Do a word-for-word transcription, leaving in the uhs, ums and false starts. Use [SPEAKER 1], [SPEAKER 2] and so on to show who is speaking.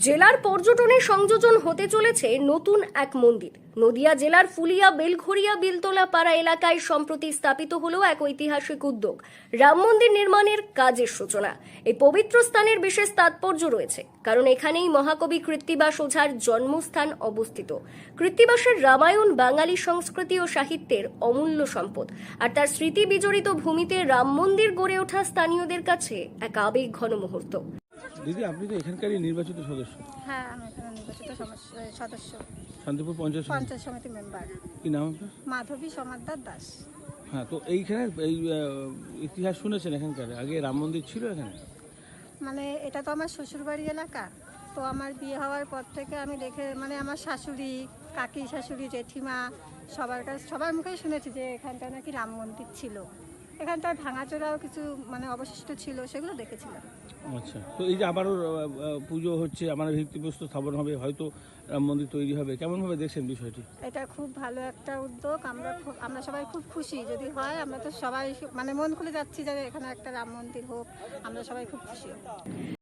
[SPEAKER 1] জেলার পর্যটনে সংযোজন হতে চলেছে নতুন এক মন্দির। নদিয়া জেলার ফুলিয়া বেলঘরিয়া বিলতলা পাড়া এলাকায় সম্প্রতি স্থাপিত হলো এক ঐতিহাসিক উদ্যোগ, রাম মন্দির নির্মাণের কাজের সূচনা। এই পবিত্র স্থানের বিশেষ তাৎপর্য রয়েছে, কারণ এখানেই মহাকবি কৃত্তিবাস ওঝার জন্মস্থান অবস্থিত। কৃত্তিবাসের রামায়ণ বাঙালি সংস্কৃতি ও সাহিত্যের অমূল্য সম্পদ, আর তার স্মৃতি বিজড়িত ভূমিতে রাম মন্দির গড়ে ওঠা স্থানীয়দের কাছে এক আবেগ ঘন মুহূর্ত।
[SPEAKER 2] দিদি, আপনি তো এখানকারই নির্বাচিত সদস্য।
[SPEAKER 3] হ্যাঁ, আমি এখানে নির্বাচিত সমস- সদস্য,
[SPEAKER 2] শান্তিপুর পঞ্চায়েত সমিতি।
[SPEAKER 3] পঞ্চায়েত সমিতি মেম্বার
[SPEAKER 2] কি নাম আপনার?
[SPEAKER 3] মাধবী সমাদ্দার দাস।
[SPEAKER 2] হ্যাঁ, তো এইখানে এই আহ, ইতিহাস শুনেছেন এখানকার? আগে রাম মন্দির ছিল এখানে?
[SPEAKER 3] মানে এটা তো আমার শ্বশুরবাড়ি এলাকা, তো আমার বিয়ে হওয়ার পর থেকে আমি দেখে, মানে আমার শাশুড়ি, কাকি শাশুড়ি, জেঠিমা, সবার কাছে সবার মুখেই শুনেছি যে এখানটা নাকি রাম মন্দির ছিল। এখানটায় ভাঙাচোরাও কিছু মানে অবশিষ্ট ছিল, সেগুলো দেখেছিলাম।
[SPEAKER 2] আচ্ছা, তো এই যে আবারও আহ, আহ, পুজো হচ্ছে, আমার ভিত্তিপ্রস্তর স্থাপন হবে, হয়তো রাম মন্দির তৈরি হবে, কেমনভাবে দেখছেন বিষয়টি?
[SPEAKER 3] এটা খুব ভালো একটা উদ্যোগ। আমরা খুব আমরা সবাই খুব খুশি। যদি হয়, আমরা তো সবাই মানে মন খুলে যাচ্ছি যে এখানে একটা রাম মন্দির হোক, আমরা সবাই খুব খুশি।